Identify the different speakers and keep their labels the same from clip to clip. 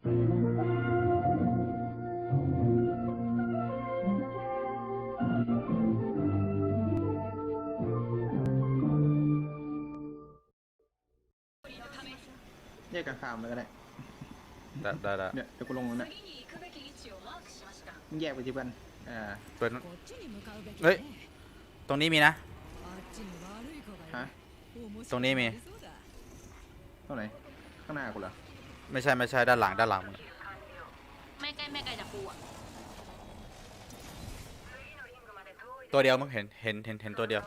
Speaker 1: แยกกันฟาร์มเลยก็ได้
Speaker 2: ได้
Speaker 1: เนี่ยเดี๋ยวกูลงแล้วเนี่ยมึงแยกไปที่กัน
Speaker 2: ตัวนั้นเฮ้ยตรงนี้มีนะ
Speaker 1: ฮะ
Speaker 2: ตรงนี้มี
Speaker 1: เท่าไหร่ข้างหน้ากูเหรอ
Speaker 2: ไม่ใช่ด้านหลังมึง
Speaker 3: ไม่ไกลจากกูอ่ะ
Speaker 2: ตัวเดียวมึงเห็นตัวเดียว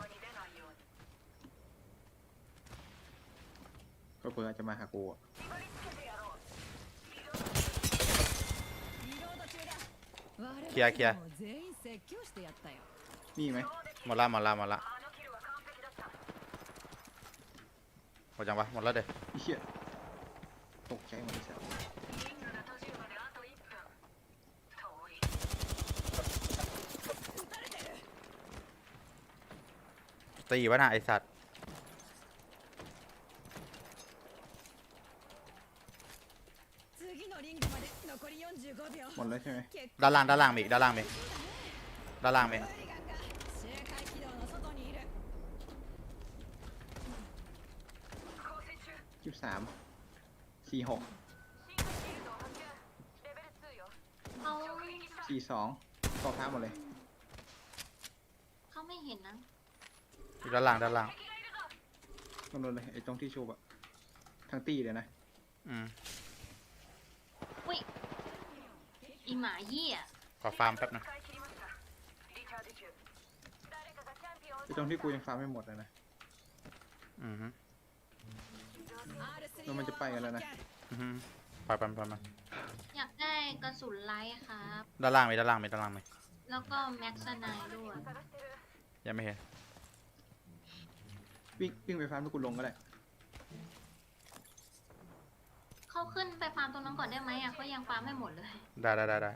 Speaker 1: ก็เผื่อจะมาหากู
Speaker 2: เคลียร์
Speaker 1: มีไหม
Speaker 2: หมดละหมดจังวะหมดแล้วเด้
Speaker 1: เหี้ยตกใจหมดเลย
Speaker 2: ตีวะน่ะไอสัตว์
Speaker 1: หมดแล้วใช่ไหม
Speaker 2: ด้านล่างมีด้านล่างมี
Speaker 1: 23 46
Speaker 3: เขา
Speaker 1: 42ต่อท้าหมดเลย
Speaker 3: เขาไม่เห็นนะ
Speaker 2: อยู่ด้านล่าง
Speaker 1: ตรงนู้นเลยไอ้ตรงที่ชูบอะทั้งตีเลยนะ
Speaker 3: อุ้ยอีหมาเหี้ย
Speaker 2: ขอฟาร์มแป๊บนึง
Speaker 1: ไอ้ตรงที่กูยังฟาร์มไม่หมดเลยนะแล้วมันจะไปกันแล้วนะ
Speaker 2: ไปมัน
Speaker 3: อยากได้กระสุนไลท์ครับ
Speaker 2: ด้านล่างมี
Speaker 3: แล้วก็แม็กซ์ไนด้วย
Speaker 2: ยังไม่เห็น
Speaker 1: วิ่งไปฟาร์มที่กูลงก็ได้
Speaker 3: เขาขึ้นไปฟาร์มตรงนั้นก่อนได้ไหมอ่ะเขายังฟาร์มไม่หมดเลย
Speaker 2: ได้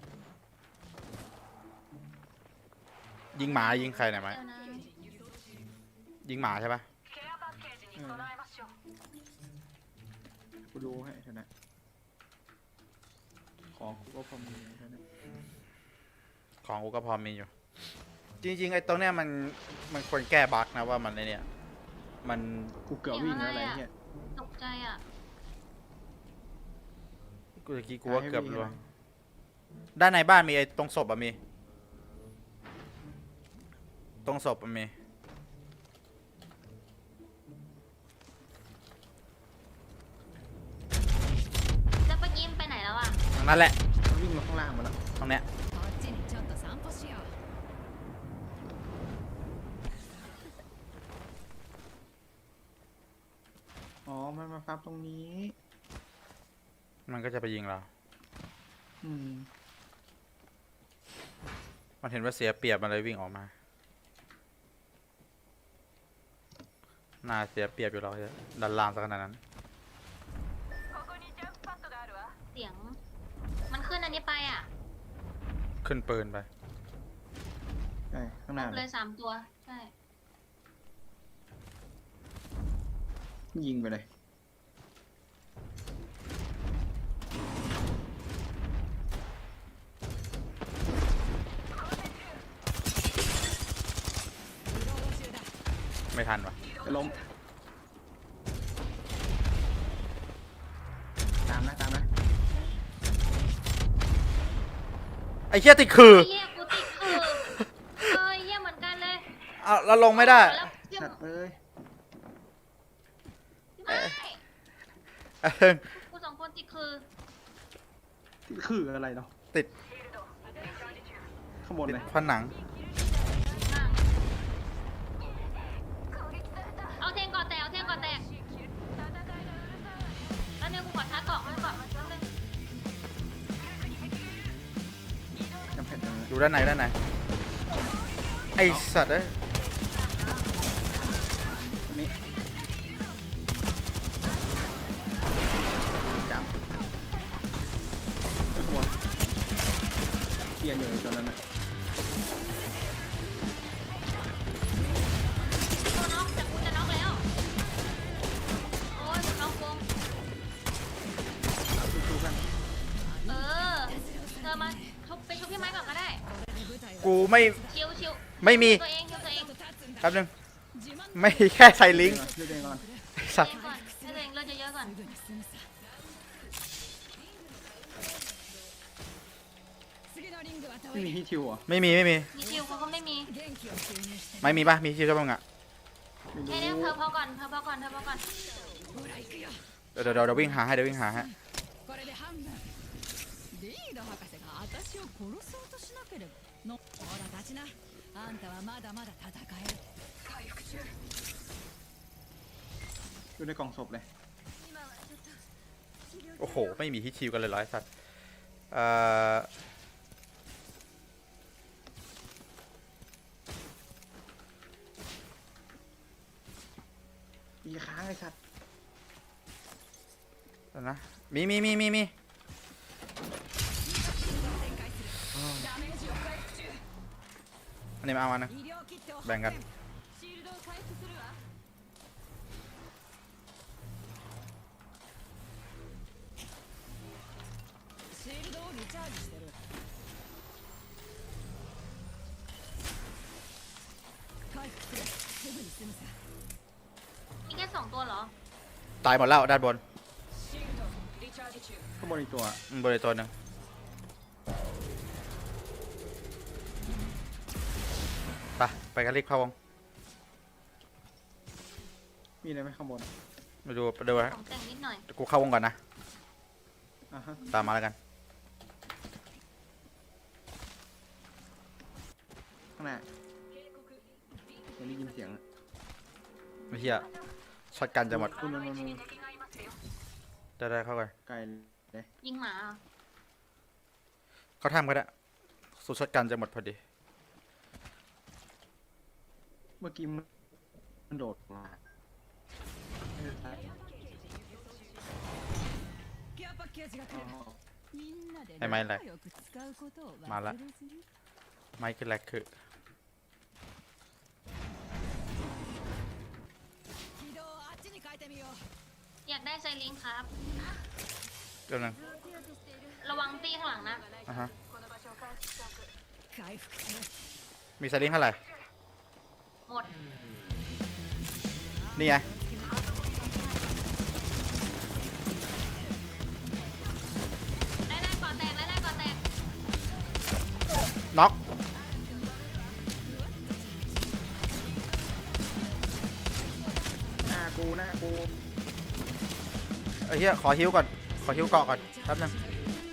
Speaker 2: ยิงหมายิงใครหน่อยไหมยิงหมาใช่ปะ
Speaker 1: กูดูให้เถอะนะของกูก็พอมี
Speaker 2: อยู่จริงๆไอ้ตรงเนี้ยมันควรแก้บั๊กนะว่ามันเนี่ยมัน
Speaker 1: กูเกือบวิ่งอะไรเนี่ย
Speaker 3: ตกใจอ่ะ
Speaker 2: กูจะกลัวเกือบรัวด้านในบ้านมีไอ้ตรงศพอะมีตรงศพอะมี
Speaker 3: จะไปยิ้มไปไหนแล้วอ่ะ
Speaker 2: ตรงนั้นแหละ
Speaker 1: วิ่งมาข้างล่างมาแล้ว
Speaker 2: ตรงเนี้ย
Speaker 1: อ๋อมันมาฟาร์มตรงนี้
Speaker 2: มันก็จะไปยิงเรามันเห็นว่าเสียเปรียบมันเลยวิ่งออกมาน่าเสียเปรียบอยู่เราดันล่างสักขนาดนั้น
Speaker 3: เสียงมันขึ้นอันนี้ไปอ่ะ
Speaker 2: ขึ้นปืนไป
Speaker 1: ใช่ข้างหน้า
Speaker 3: เลย3 ตัวใช่
Speaker 1: ยิงไปเลย
Speaker 2: ไม่ทันวะ
Speaker 1: จะล้มตามนะ
Speaker 2: ไอ้เหี้ยติดคือ
Speaker 3: เหี้ยกูติดคือเหี้ยเหมือนกันเลย
Speaker 2: เอาแล้วลงไม่ได้
Speaker 1: สัตว์เลย
Speaker 3: กู2 คนติด
Speaker 1: คืออะไรเนาะ
Speaker 2: ติด
Speaker 1: ข้างบนเลย
Speaker 2: ผนัง
Speaker 3: เอาเทงก่อนแตกแล้วเนี่ยกูขอท้าเกาะมันก่อน
Speaker 2: อยู่ด้านในไอสัตว์เอ้ย
Speaker 1: นี่จับขบวนเกียร์อยู่ตอนนั้นนะ
Speaker 3: โอ้ยน็อกวง
Speaker 2: กูไม่
Speaker 3: ชิวชิว
Speaker 2: ไม่มี
Speaker 3: ตัวเองชิวตัวเอง
Speaker 2: แป๊บนึงไม่แค่ใส่ลิงก์
Speaker 1: ช่วยตัวเองก่อน
Speaker 2: ไอ้สัตว์
Speaker 3: ก่อนให้ตัวเองเลือดเยอะๆก่อน
Speaker 1: ไม่มีที่ชิวเหรอ่ะ
Speaker 2: ไม่มี
Speaker 3: มีชิวเขาก็ไม่มี
Speaker 2: ไม่มีปะมีชื่อเจ้าบ้างอะ
Speaker 1: ไม่
Speaker 3: แค่นี้
Speaker 1: รู้
Speaker 3: เธอพอก่อนเธอพอก่อนเธอพอก่อน
Speaker 2: เดี๋ยววิ่งหาให้เดี๋ยววิ่งหาให้
Speaker 4: これで半分リード博士が私を殺そうとしなければのほら立ちなあんたはまだまだ戦える回復中
Speaker 1: อยู่ในกล่องศพเลย
Speaker 2: โอ้โหไม่มีฮิตชิวกันเลยเหรอไอ้สัตว์
Speaker 1: อีค้างไอ้สัตว์
Speaker 2: เดี๋ยวนะมี
Speaker 4: 展開するダメージを回復中
Speaker 2: อันนี้มาเอามานะ
Speaker 4: 医療キットを発
Speaker 2: แบ่งกัน
Speaker 4: シールドを回復するわシールドをリチャージしてる回復するすぐに済むさ
Speaker 3: มีแค่2ตัวเหรอ
Speaker 2: ตายหมดแล้วด้านบน
Speaker 4: シールドリチャージ中
Speaker 1: ข้างบนอีกตัว
Speaker 2: บนอีกตัวหนึ่งไปกันรีบเข้าวง
Speaker 1: มีอะไรไหมข้างบน
Speaker 2: มาดูไปดูฮะ
Speaker 3: ของแต่งนิดหน่อย
Speaker 2: เดี๋ยวกูเข้าวงก่อนนะ
Speaker 1: อ่ะฮะ
Speaker 2: ตามมาแล้วกัน
Speaker 1: ข้างหน้ายังได้ยินเสียงอะ
Speaker 2: ไม่เชี่ยช็อตกันจะหมด
Speaker 1: นู่น
Speaker 2: ได้เข้ากัน
Speaker 1: ไกลเลย
Speaker 3: ยิงหมาเหรอ
Speaker 2: เขาทำก็ได้สูตรช็อตกันจะหมดพอดี
Speaker 1: เมื่อกี้มันโดดมา
Speaker 4: ケアパッケージが来
Speaker 1: อ๋อ
Speaker 4: るみんなで
Speaker 2: はい参れ
Speaker 4: 仲良く使うことを
Speaker 2: まら
Speaker 4: 忘れずに
Speaker 2: ไม่คือแรกคือ
Speaker 4: 軌道をあっちに変えてみよう
Speaker 3: อยากได้ไซลิงครับ
Speaker 2: เดี๋ยวนึง
Speaker 3: ระวังตีข้างหลังนะ
Speaker 2: อ่ะฮะ
Speaker 4: 回復する
Speaker 2: มีสลิงเท่าไหร่
Speaker 3: หมด
Speaker 2: นี่ไง
Speaker 3: ได้ก่อนแตกได้ก่อนแตก
Speaker 2: น็อก
Speaker 1: หน้ากู
Speaker 2: ไอ้เหี้ยขอฮิวก่อนขอฮิวเกาะก่อนแป๊บนึง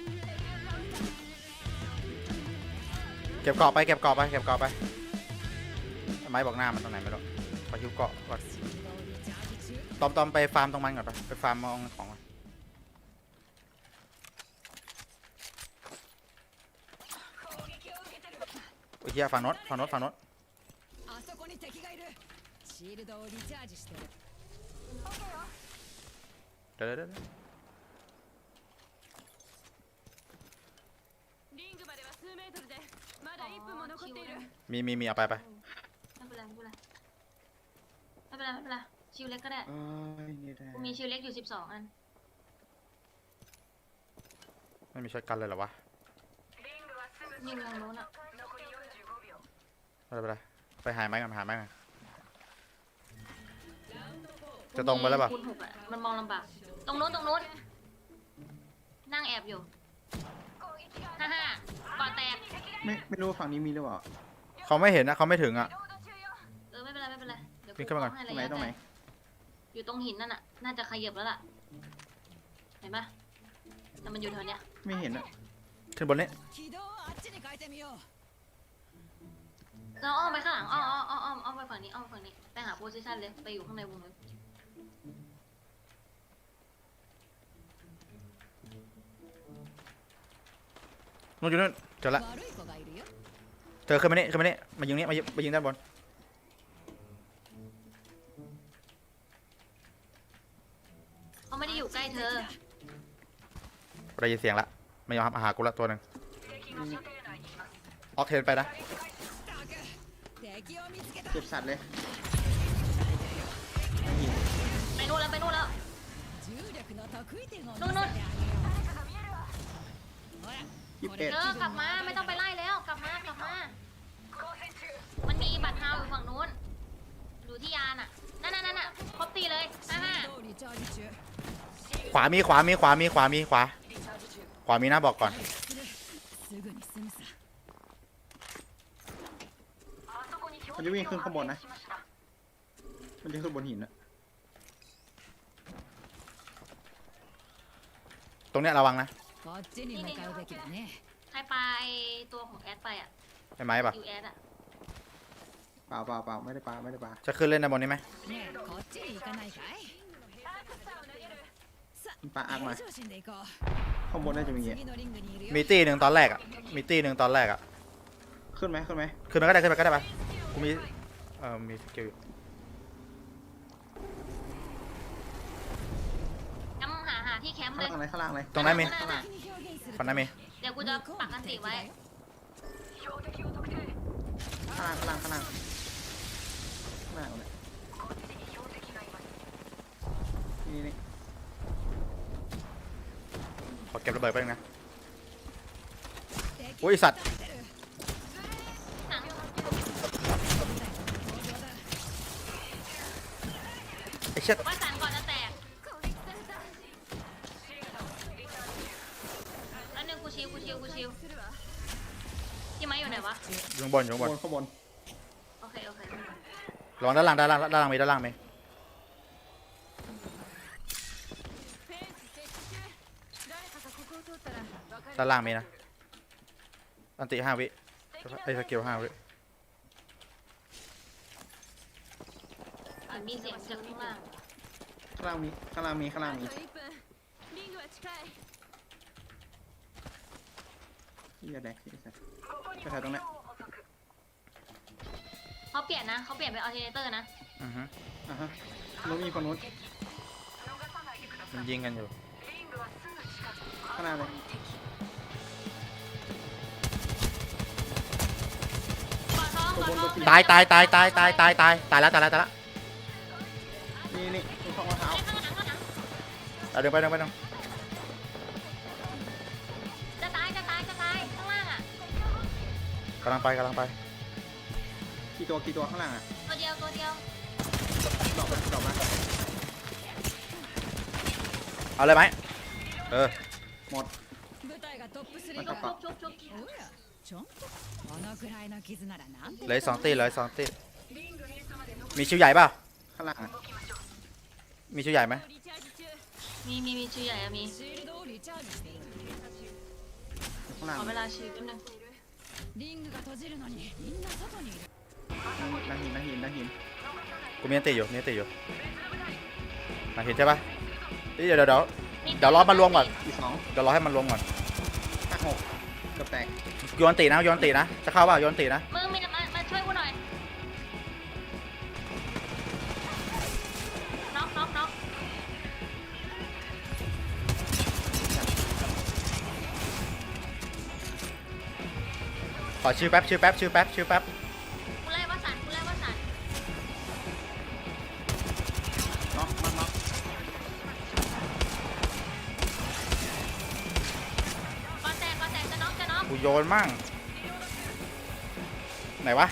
Speaker 2: เก็บเกาะไปไม้บอกหน้ามันตรงไหนไม่รู้ขอฮิวเกาะก่อน
Speaker 4: シールドをリチャージ中
Speaker 2: ตอมไปฟาร์มตรงมันก่อนไปฟาร์มมองของมันโอ้ยเหี้ยฝั่งโน้น
Speaker 4: あそこに敵がいるシールドをリチャージしてる
Speaker 2: เดี๋ยว
Speaker 4: リングまでは数メートルでまだ1分も残っている
Speaker 2: มีเอาไป
Speaker 3: ไม่เป็นไรชิวเล็กก็ได้
Speaker 1: เอ้ยนี่ได้
Speaker 3: กูมีชิวเล็กอยู่12 อัน
Speaker 2: ไม่มีช็อตกันเลยเหรอวะ
Speaker 3: ยิงตรงโน้นอ่ะ
Speaker 2: ไปหาไม้กันจะตรงไปแล้วป่ะ
Speaker 3: คูณ6อ่ะมันมองลำบากตรงโน้นนั่งแอบอยู่55ก่อนแตก
Speaker 1: ไม่รู้ว่าฝั่งนี้มีหรือเปล่า
Speaker 2: เขาไม่เห็นนะเขาไม่ถึงอ่ะ
Speaker 3: ไม่เป็นไรเดี๋ยว
Speaker 2: วิ่งขึ้นมาก่อน
Speaker 3: ให้
Speaker 1: ตรงไหน
Speaker 3: ระยะ
Speaker 1: ตรงไหน
Speaker 3: ไกลอยู่ตรงหินนั่นน่ะน่าจะขยับแล้วล่ะเห็นปะแต่มันอยู่แถวเนี้ย
Speaker 1: ไม่เห็นอะ
Speaker 2: ขึ้นบนนี้
Speaker 4: 軌道をあっちに変えてみよう
Speaker 3: เราอ้อมไปข้างหลังอ้อมไปฝั่งนี้ไปหาโพซิชันเลยไปอยู่ข้างในวงเลย
Speaker 2: นู่นอยู่นู่นเจอละ
Speaker 4: 悪い子がいるよ
Speaker 2: เธอขึ้นมานี่มายิงนี่มายิงด้านบน
Speaker 3: เขาไม่ได้อยู่ใกล้เธอ
Speaker 2: ได้ยินเสียงละไม่ยอมมาหากูละตัวหนึ่งออกเทนไปนะ
Speaker 4: 敵を見つけた
Speaker 1: เก็บสัตว์เลย
Speaker 3: ไปนู่นแล้ว
Speaker 4: 重力の得意点を見せて
Speaker 3: นู่น
Speaker 4: あげようほら
Speaker 1: 21
Speaker 3: เธอกลับมาไม่ต้องไปไล่แล้วกลับมามีบัตรฮาวอยู่ฝั่งนู้นอยู่ที่ยานอ่ะนั่นครบตีเลย
Speaker 4: シールドリチャージ中
Speaker 2: ขวามีนะบอกก่อน
Speaker 4: すぐに済むさ
Speaker 1: มันจะวิ่งขึ้นข้างบนนะมันจะขึ้นบนหินอะ
Speaker 2: ตรงเนี้ยระวังนะ
Speaker 4: こっちに向かうべきだね
Speaker 3: ใครไปตัวของแอดไปอ่ะ
Speaker 2: ใช่ไหมปะ
Speaker 3: ยูแอดอ่ะ
Speaker 1: เปล่าไม่ได้ปลาไม่ได้ปลา
Speaker 2: จะขึ้นเล่นในบนนี้ไหม
Speaker 4: ねえこっちに行かないかいさ
Speaker 1: มันปลาอักมา
Speaker 4: 平常心で行こう
Speaker 1: ข้างบนน่าจะมี
Speaker 4: 次のリングにいるよ
Speaker 2: มีตีหนึ่งตอนแรกอะ
Speaker 1: ขึ้นไหม
Speaker 2: ขึ้นไปก็ได้ปะกูมีมีสกิลอยู่
Speaker 3: จำหาที่แคมป์เลย
Speaker 1: ข้างล่างไหน
Speaker 2: ตรงนั้นมี
Speaker 1: ข้างล่าง
Speaker 4: 敵に表現する
Speaker 2: ฝั่งนั้นมี
Speaker 3: เดี๋ยวกูจะปักกันติไว้
Speaker 1: ข้างล่างข้างล่างเลยนี่
Speaker 2: ขอเก็บระเบิดไปบนึงนะ
Speaker 4: 敵
Speaker 2: โอ้ยสัตว์
Speaker 3: หนัง
Speaker 2: ไอ้เช็ด
Speaker 3: ว่าสันก่อนจะแตกแล้วหนึ่งกูชิวที่ไม้อยู่ไหนวะ
Speaker 2: อยู่ข้างบน
Speaker 1: ข้างบน
Speaker 3: โอเค
Speaker 2: ระวังด้านล่างมีด้านล่างมีด้านล่างมีนะอันติ5 วิไอ้สกิล5 วิ
Speaker 3: มีเสียงจากข้างล่าง
Speaker 1: ข้างล่างมี
Speaker 4: あと1分リングは近い
Speaker 1: ที่จะแดกไอ้สัตว์ไปถ่ายตรงนั้น
Speaker 3: เขาเปลี่ยนเป็นอัลเทอร์เนเตอร์นะ
Speaker 2: อือฮึ
Speaker 1: ฮะนู้นมีคนนู้น
Speaker 2: มันยิงกันอยู่
Speaker 1: ข้างหน้าเลย
Speaker 3: กอดท้อง
Speaker 2: ตายแล้ว
Speaker 1: นี่ตรงข้างมะพร้าว
Speaker 3: ข้างหลัง
Speaker 2: เอาเดินไป
Speaker 3: จะตายข้างล่างอ่ะ
Speaker 2: กำลังไป
Speaker 1: กี่ตัวข้างล่างอ่ะ
Speaker 3: ตัวเดียว
Speaker 1: ดอกมา
Speaker 2: เอาเลยไหม
Speaker 1: หมด
Speaker 4: 舞台がトップ3
Speaker 1: また
Speaker 4: だ
Speaker 1: か
Speaker 3: ชุบ
Speaker 4: おやちゃんとこのくらいの傷ならなんて
Speaker 2: เหลือ2 ตีมีชิวใหญ่เปล่า
Speaker 1: ข้างล่างอ่ะ
Speaker 2: มีชิวใหญ่ไหม
Speaker 4: リチャージ中
Speaker 3: มีชื่อใหญ่อะมี
Speaker 4: シールドをリチャージしている
Speaker 1: ข้างล่าง
Speaker 3: ขอเวลาชีวิตนึง
Speaker 4: リングが閉じるのにみんな外にいる
Speaker 1: นั่งหิน
Speaker 2: กูมีอันติอยู่มาเห็นใช่ปะเดี๋ยวรอมันรวมก่อน
Speaker 1: อีก2
Speaker 2: เดี๋ยวรอให้มันรวมก่อน
Speaker 1: 5 6เกือบแตก
Speaker 2: โยนตีนะจะเข้าเปล่าโยนตีนะ
Speaker 3: มึงมาช่วยกูหน่อยน็อก
Speaker 2: ขอชื่อแป๊บ
Speaker 3: กูไล่ว่าสัน
Speaker 1: น็อกมันน็อก
Speaker 3: ก่อนแตกจะน็อก
Speaker 2: กูโยนมั่งไหนวะ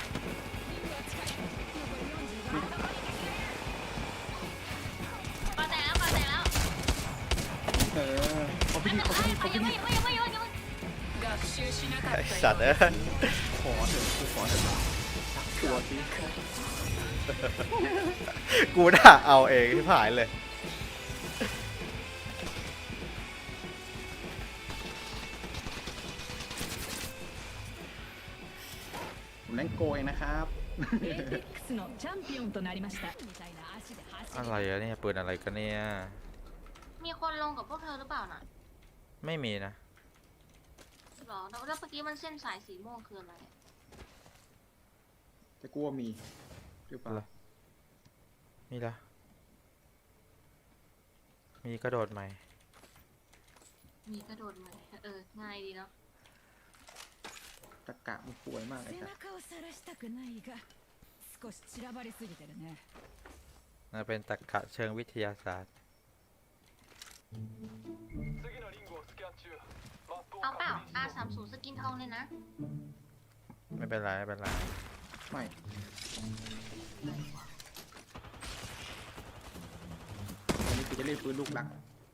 Speaker 3: ก่อนแตกแล้ว
Speaker 1: เขาพิธี
Speaker 3: ยังไม่
Speaker 2: ไอ้สัตว์
Speaker 1: ขอเถอะตัวที่
Speaker 2: กูด่าเอาเองที่ผายเลย
Speaker 1: ผมเล่นโกยนะครับ
Speaker 4: エイペックスのチャンピオンとなりましたみたいな足で走
Speaker 2: อะไรอะเนี่ยปืนอะไรกันเนี่ย
Speaker 3: มีคนลงกับพวกเธอหรือเปล่าน่ะ
Speaker 2: ไม่มีนะ
Speaker 3: หรอแล้วเมื่อกี้มันเส้นสายสีม่วงคืออะไร
Speaker 1: จะกลัวมีหรือเปล่า
Speaker 2: มีละมีกระโดดใหม่
Speaker 3: มีกระโดดไหมง่ายดีเนาะ
Speaker 1: ตะกะมันป่วยมากเลย
Speaker 4: 背
Speaker 1: ครับ
Speaker 4: 中を晒したくないが少し散らばりすぎてるね
Speaker 2: น่าเป็นตรรกะเชิงวิทยาศาสตร์
Speaker 3: เอาเปล่า R30 สกินทองเลยนะ
Speaker 2: ไม่เป็นไร
Speaker 1: ไม่อันนี้คือจะเล่นปืนลูกหลัก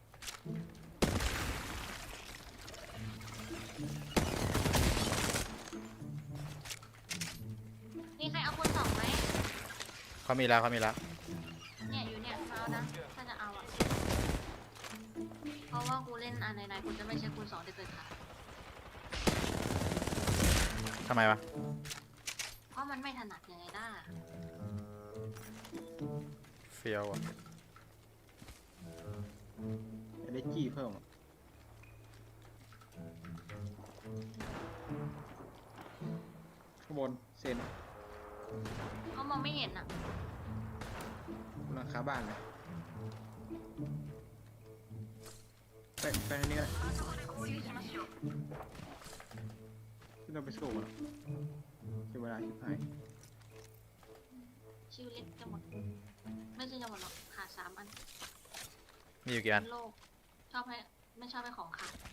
Speaker 3: นี่ใครเอาคุณสองไหม
Speaker 2: เขามีแล้วเขามีแล้ว
Speaker 3: เนี่ยอยู่เนี่ยมาเอานะถ้าจะเอาอ่ะเพราะว่ากูเล่นอันไหนๆกูจะไม่ใช้คูณสองเด็ดขาด
Speaker 2: ทำไมวะ
Speaker 3: เพราะมันไม่ถนัดยังไงได้
Speaker 2: เฟียวอ่ะ
Speaker 1: จะได้จี้เพิ่มอะข้างบนเซน
Speaker 3: เขามองไม่เห็นอ่ะ
Speaker 1: หลังคาบ้านเลยไปทางนี้ก็ได้ที่เราไปสู้กันเสียเวลาชิบหาย
Speaker 3: ชื่อเล็กจะหมด ไม่ใช่จะหมดหรอกขาด3 อัน
Speaker 2: มีอยู่กี่อัน
Speaker 3: โลกชอบให้ไม่ชอบให้ของขาด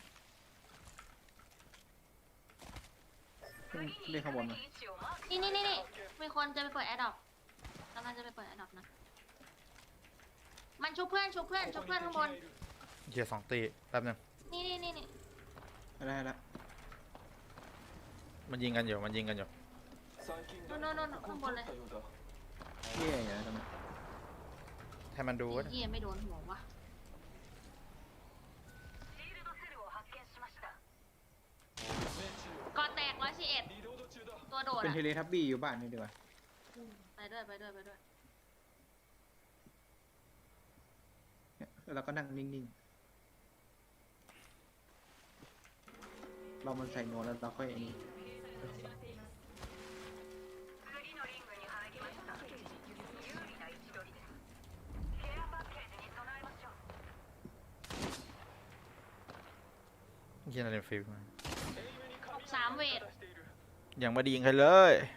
Speaker 1: เล่นข้างบนมา
Speaker 3: นี่มีคนจะไปเปิดแอร์ดรอปกำลังจะไปเปิดแอร์ดรอปนะ มันชุบเพื่อนข้างบน
Speaker 2: เฮีย2 ตีแป๊บนึง
Speaker 3: นี่
Speaker 1: อะไรละ
Speaker 2: มันยิงกันอยู่มันยิงกันอยู่
Speaker 3: โน่นข้างบนเลย
Speaker 1: เย่อย่างนั้นตรงนั้น
Speaker 2: ให้มันดูก็ได้
Speaker 3: เฮียไม่โดนหัววะก่อแตก111ตัวโดด
Speaker 1: เป็น
Speaker 3: อ่ะ
Speaker 1: เทเลทับบี้อยู่บ้านนี่ดีกว่า
Speaker 3: ไปด้วย
Speaker 1: เนี่ยแล้วเราก็นั่งนิ่งๆเรามันใส่โน้ตแล้วเราค่อยอันนี้
Speaker 2: เฮียนาเรนฟิลด์มา
Speaker 3: 3 เวท
Speaker 2: ยังไม่ได้ยิงใครเลย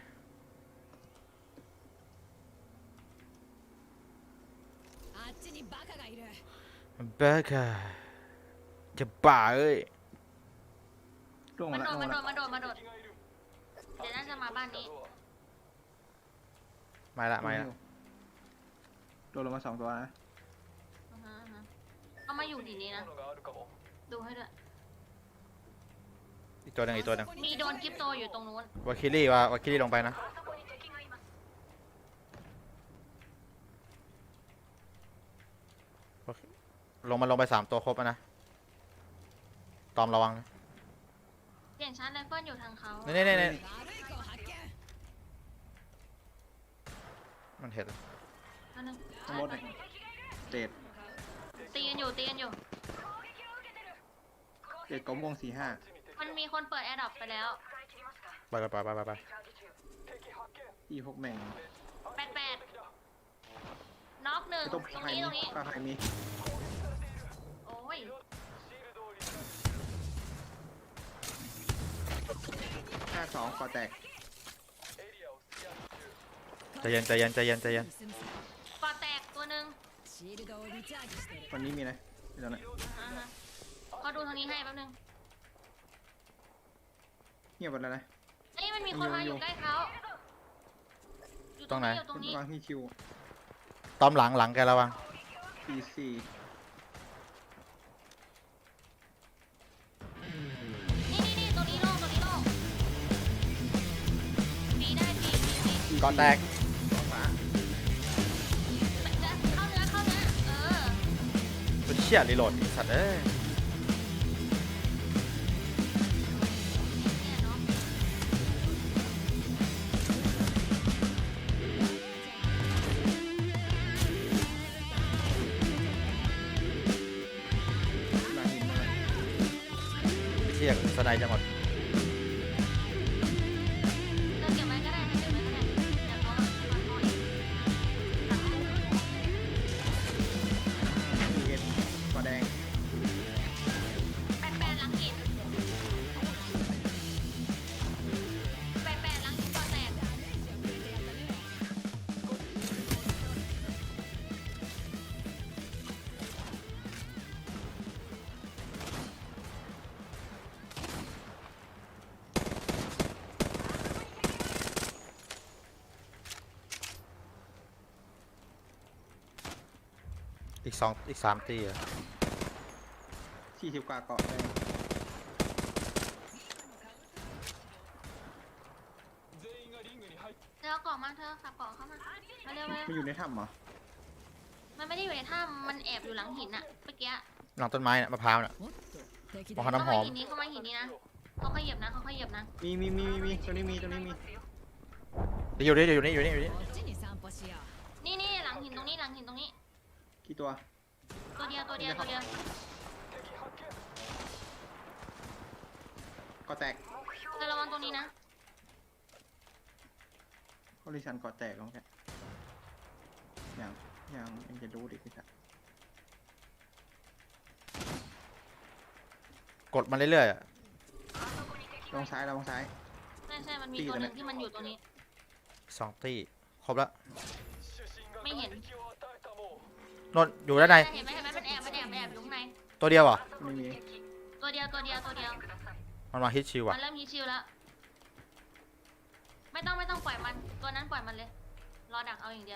Speaker 4: あっちにバカがいる。
Speaker 2: บ้าค่ะจะบ้าเอ้ย
Speaker 1: ล่วง
Speaker 3: มั
Speaker 1: มาน ละ
Speaker 3: โด
Speaker 1: ล่ว
Speaker 3: ด
Speaker 1: ง
Speaker 3: มั
Speaker 1: มาน ละ
Speaker 3: โดดเดี๋ยวน่าจะมาบ้านนี้
Speaker 2: ไม่ละไม่ละ
Speaker 1: โดนลงมา2 ตัวนะ
Speaker 3: อือฮะเอามาอยู่ดีนี้นะ ดูให้ด้วย
Speaker 2: อีกตัวหนึงอีกตัวหนึง
Speaker 3: มีโดนกิฟโตอยู่ตรงนู้น
Speaker 2: วาคิลี่ลงไปนะลงไป3 ตัวครบแล้วนะตอมระวังนะ
Speaker 3: เสียงชาร์จไรเฟิลอยู่ทางเขา
Speaker 2: นี่
Speaker 4: 悪い子を発見。
Speaker 2: มันเห็น
Speaker 3: อันนึง
Speaker 1: ข้างบนหน่อยเตด
Speaker 3: ตีกันอยู่
Speaker 1: เตดกลมวง45
Speaker 3: มันมีคนเปิดแอร์ดรอปไปแล้ว
Speaker 2: ไป
Speaker 1: อีพวกแม่ง
Speaker 3: 88น็อก1
Speaker 1: ไอ้
Speaker 3: ต
Speaker 1: ต้
Speaker 3: ร
Speaker 1: ม
Speaker 3: ง
Speaker 1: ไข่
Speaker 3: นี้
Speaker 1: มีปลาไข่มี
Speaker 3: โอ้ย
Speaker 1: 52ก่อแตก
Speaker 2: ใจเย็น
Speaker 4: 盗むさ。
Speaker 3: ก่อแตกตัวหนึ่ง
Speaker 4: シールドをリチャージしてる。
Speaker 1: วันนี้มีนะเดี๋ยวนะ
Speaker 3: อ่าฮะขอดูทางนี้ให้แป๊บนึง
Speaker 1: เงียบหมดแล้วนะ
Speaker 3: เอ้ยมันมีคนมาอยู่ใกล้เขาอยู่ตรงนี้
Speaker 1: วางที่คิว
Speaker 2: ตอมหลังแกระวัง
Speaker 1: PC
Speaker 3: นี่ตัวนี้โล่งปีได้ปี
Speaker 2: ก่อนแตก
Speaker 1: ฟ้า
Speaker 3: เข้าเนื้อ
Speaker 2: เป็นเชี่ยรีโหลดไอ้สัตว์เอ้ย
Speaker 3: เนี่ยเนาะ
Speaker 1: ลาหินมา
Speaker 2: ไอ้เชี่ยสไนจะหมด
Speaker 3: เราเก็บไว้ก็ได้เดี๋ยวเขาอีก
Speaker 1: เห็ดปลาแดง
Speaker 3: 88หลังหิน88หลังหินก่อแตก
Speaker 1: เ
Speaker 2: อีกสามตีอะ
Speaker 1: 40 กว่าเกาะได้
Speaker 3: เธอเอาเกาะมาเธอขับเกาะเข้ามามาเร็ว
Speaker 1: มันอยู่ในถ้ำเหรอ
Speaker 3: มันไม่ได้อยู่ในถ้ำมันแอบอยู่หลังหินอะเมื่อกี้
Speaker 2: หลังต้นไม้น่ะมะพร้าวน่ะ
Speaker 4: おっと敵
Speaker 2: มะ
Speaker 4: だ
Speaker 2: พร้าวน้ำหอม
Speaker 3: เข้ามาหินนี้นะเขาขยับนะเขาขยับนะ
Speaker 1: มีตัวนี้มี
Speaker 2: เดี๋ยวอยู่นี่อยู่นี่
Speaker 4: こっちに散歩しよう
Speaker 3: นี่หลังหินตรงนี้หลังหินตรงนี้
Speaker 1: กี่ตัว
Speaker 3: ตัวเดียว
Speaker 1: เกาะแตก
Speaker 3: เธอระวังตรงนี้นะ
Speaker 1: คอลิชันเกาะแตกลงแค่ยังเอ็งจะรู้ดิพี่ชาย
Speaker 2: กดมันเรื่อยๆอะ
Speaker 1: ลงซ้าย
Speaker 3: ใช่มันมีตัวหนึงที่มันอยู่ตัวนี้
Speaker 2: สองตีครบแล้ว
Speaker 3: ไม่เห็น
Speaker 2: นนท์อยู่ด้านใน
Speaker 3: เห็นไหมมันแอบอยู่ข้างใน
Speaker 2: ตัวเดียวเหรอ่ะ
Speaker 1: ไม่มี
Speaker 3: ตัวเดียว
Speaker 2: มันมาฮิตชิว
Speaker 3: มั
Speaker 2: อ่ะ
Speaker 3: นเริ่มฮีชิลแล้ว ไม่ต้องปล่อยมัน ตัวนั้นปล่อยมันเลย รอดักเอาอย่างเดียว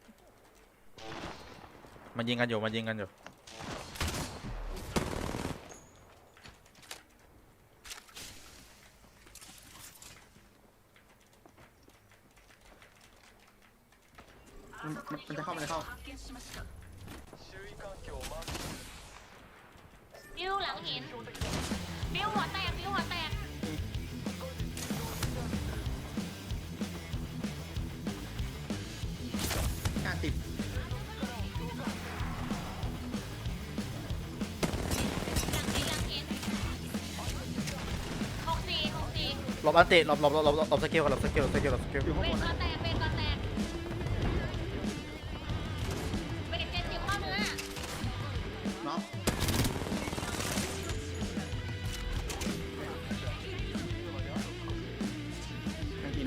Speaker 2: มันยิงกันอยู่
Speaker 1: มันจะเข้า
Speaker 3: บิ้วหลังหิน บิ้วหัวแตก
Speaker 1: 50
Speaker 3: หลังหิน64
Speaker 2: หลบอันติหลบสกิลก่อนหลบสกิล
Speaker 1: อยู่ข้าง
Speaker 3: เป็
Speaker 1: บ
Speaker 3: น
Speaker 1: น
Speaker 3: ก็แตกเป็นเจ็ดสิบเข้าเนื้อ
Speaker 1: เนาะทางหิน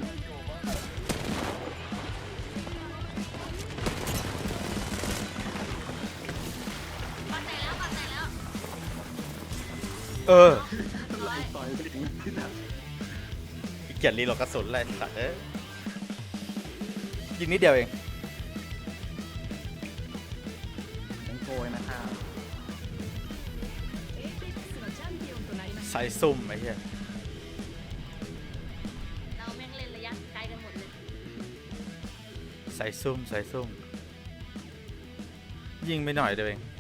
Speaker 3: ปัดแตกแล้ว
Speaker 2: เออ
Speaker 1: ไล่ต่อยไปถึงที่ตัด
Speaker 2: อีกเกียรรีโหลดกระสุนเลยสัตว์เอ้ยยิงนิดเดียวเอง
Speaker 1: ยังโกยนะครับ
Speaker 4: エーペックスのチャンピオンとなりました
Speaker 2: ใส่ซุ่มไอ้เหี้ย
Speaker 3: เราแม่งเล่นระยะไกลกันหมดเลย
Speaker 2: ใส่ซุ่มยิงไปหน่อยเดียวเอง